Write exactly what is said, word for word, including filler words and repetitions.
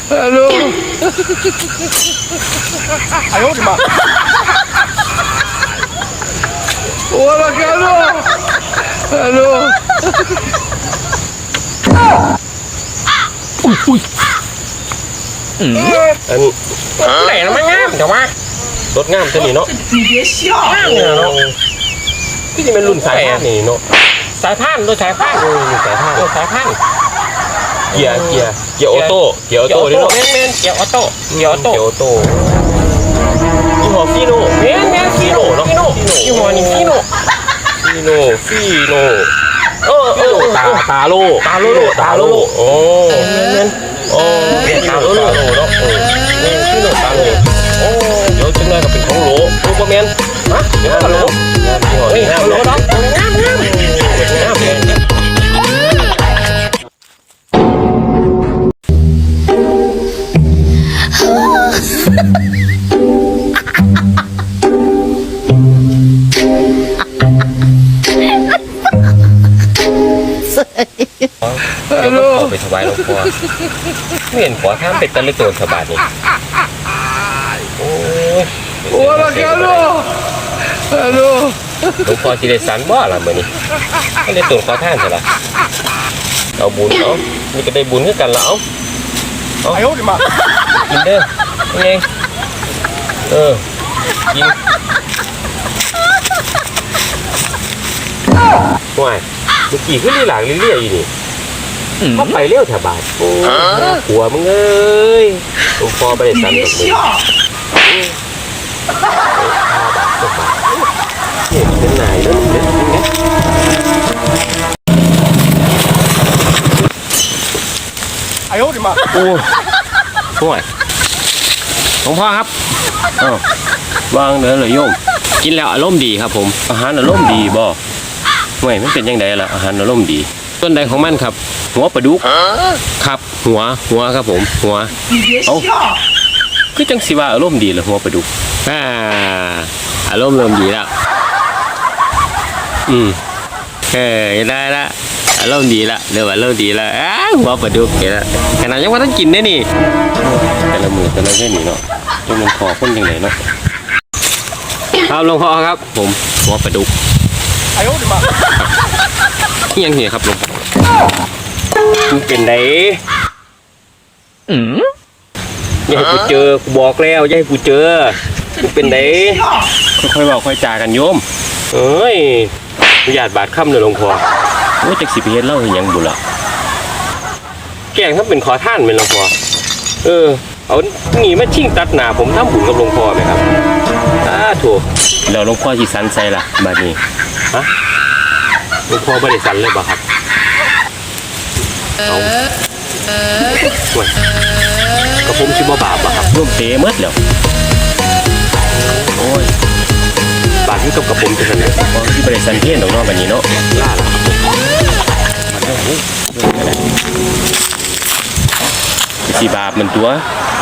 ฮัลโหล哎呦我的妈我的天呐ฮัลโหลอุ้ยอุ้ยอืมอันไหนมันงามเดี๋ยวว่ารถงามจะนี่เนาะ你别笑งามเนี่ยเนาะที่จะเป็นรุ่นสายพานนี่เนาะสายพานรถสายพานเออสายพานรถสายพานเกียร์เกียร์เกียร์ออโต้เกียร์ออโต้เนาะแม่นๆเกียร์ออโต้เกียร์ออโต้เกียร์ออโต้ยี่ห้อฟีโน่แม่นแม่นฟีโน่เนาะฟีโน่ยี่ห้อนี้ฟีโน่ฟีโน่ฟีโน่เออเออตาตาโลตาโลตาโลโอ้แม่นแม่นโอ้ตาโลตาโลเนาะเออแม่นฟีโน่ตาโลโอ้เดี๋ยวจังเลยก็เป็นของโหลรู้ป่ะแม่นฮะเดี๋ยวก็โหลเฮ้ยโหลเนาะงามงามงามเลยเดี๋ยวก็ขอไปถวายหลวงพ่อไม่เห็นขอท่านเป็นตะลึกโดนสบายนี่โอ้ยโอ้ยฮัลโหลฮัลโหลหลวงพ่อจีได้สันบ่ล่ะมื้อนี้ไม่ได้ตนขอท่านใช่ล่ะเอาบุญเอานี่ก็ได้บุญคือกันแล้วเอาเอากินเด้อยังไงเออกินห่วยเมื่อกี้ขึ้นลีหลังเรื่อยๆอยู่นี่เขาไปเลี้ยวแถวบ้านโอ้หัวมึงเอ้ยหลวงพ่อไม่ได้สั่นตรงนี้ห้าบาทสิบบาทเนี่ยเป็นนายแล้วเด็ดจริงนะไอ้โอ้ดิมาโอ้ห่วยหลวงพ่อครับอ้าววางเด้อเลยโยมกินแล้วอารมณ์ดีครับผมอาหารอารมณ์ดีบ่ไม่มันเป็นยังไงล่ะอาหารอารมณ์ดีต้นใดของมันครับหัวปลาดุกครับหัวหัวครับผมหัวเอาคือจังสิว่าอารมณ์ดีเหรอหัวปลาดุกอ่าอารมณ์เริ่มดีแล้วอืมเฮ้ยได้ละอารมณ์ดีละเดี๋ยวอารมณ์ดีละอ้าหัวปลาดุกเห็นละขนาดยังว่าต้องกินได้นี่แต่ละมือแต่ละเส้นนี่เนาะจนมันคอข้นยังไงเนาะครับหลวงพ่อครับผมหัวปลาดุกนี่ยังเหี้ยครับหลวงพ่อมันเป็นไงอืมอย่าให้กูเจอกูบอกแล้วอย่าให้กูเจอมันเป็นไงค่อยๆบอกค่อยจากันโยมเอ้ยหยาดบาดค่ำเลยหลวงพ่อว่าจากสิบเฮ็ดเล่าเห็นยังบุญละแกงถ้าเป็นขอท่านเป็นหลวงพ่อเออเอาหนีมาชิ่งตัดหนาผมทำบุญกับหลวงพ่อไหมครับอ้าถูกแล้วหลวงพ่อจีสันใส่ละบาดนี้ฮะหลวงพ่อไม่ได้สันเลยบ่ครับเอาส่วนกระผมชิบะบาปบ่ครับร่วมเตะเมื่อแล้วโอ้ยบาปที่กับกระผมจะสันเลยพอที่บริษัทเทียนตรงนอกแบบนี้เนาะล่าหรอมันเรื่องอะไรสีบาปมันตัว